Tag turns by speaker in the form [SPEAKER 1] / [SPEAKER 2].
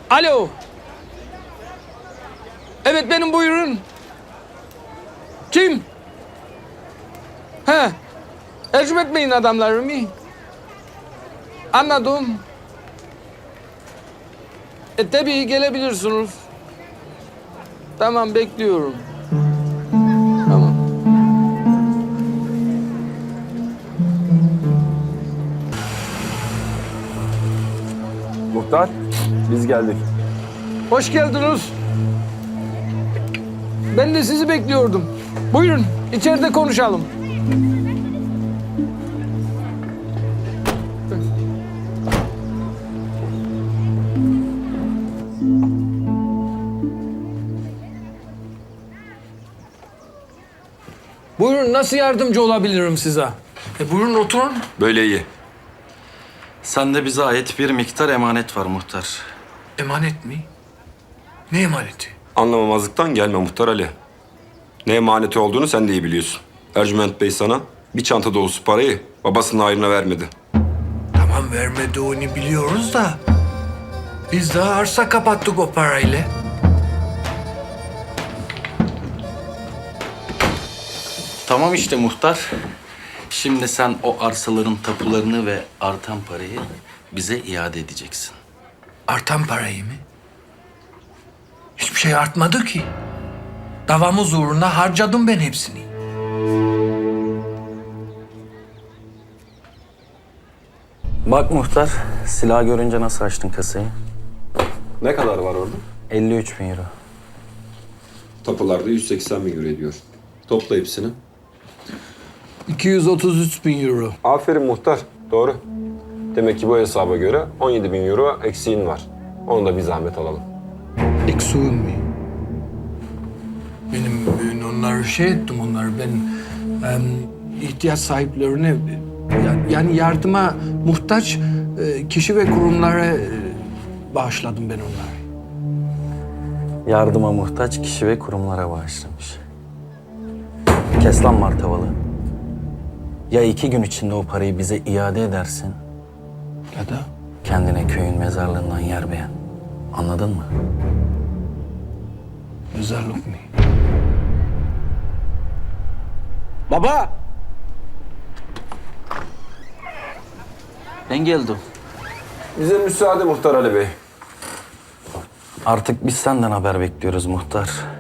[SPEAKER 1] Alo. Evet benim, buyurun. Kim? He. Ercüment Bey'in adamları mı? Anladım. Tabii gelebilirsiniz. Tamam, bekliyorum. Tamam.
[SPEAKER 2] Muhtar, biz geldik.
[SPEAKER 1] Hoş geldiniz. Ben de sizi bekliyordum. Buyurun, içeride konuşalım. Buyurun, nasıl yardımcı olabilirim size? Buyurun oturun.
[SPEAKER 3] Böyle iyi. Sende bize ait bir miktar emanet var muhtar.
[SPEAKER 1] Emanet mi? Ne emaneti?
[SPEAKER 2] Anlamamazlıktan gelme Muhtar Ali. Ne emaneti olduğunu sen de iyi biliyorsun. Ercüment Bey sana bir çanta dolusu parayı babasının hayrına vermedi.
[SPEAKER 1] Tamam, vermediğini biliyoruz da biz daha arsa kapattık o parayla.
[SPEAKER 3] Tamam işte muhtar. Şimdi sen o arsaların tapularını ve artan parayı bize iade edeceksin.
[SPEAKER 1] Artan parayı mı? Hiçbir şey artmadı ki. Davamız uğruna harcadım ben hepsini.
[SPEAKER 3] Bak muhtar, silah görünce nasıl açtın kasayı?
[SPEAKER 2] Ne kadar var orada?
[SPEAKER 3] 53 bin euro.
[SPEAKER 2] Tapularda 180 bin euro ediyor. Topla hepsini.
[SPEAKER 1] 233 bin euro.
[SPEAKER 2] Aferin Muhtar, doğru. Demek ki bu hesaba göre 17 bin euro eksiğin var. Onu da bir zahmet alalım.
[SPEAKER 1] Eksiğim mi? Ben onları ettim, onları ben ihtiyaç sahiplerine yani yardıma muhtaç kişi ve kurumlara bağışladım ben onları.
[SPEAKER 3] Yardıma muhtaç kişi ve kurumlara bağışlamış. Kes lan martavalı. Ya 2 gün içinde o parayı bize iade edersin,
[SPEAKER 1] Ya da
[SPEAKER 3] kendine köyün mezarlığından yer beğen. Anladın mı?
[SPEAKER 1] mezarlık mı?
[SPEAKER 3] Baba! Ben geldim.
[SPEAKER 2] Bize müsaade Muhtar Ali Bey.
[SPEAKER 3] Artık biz senden haber bekliyoruz muhtar.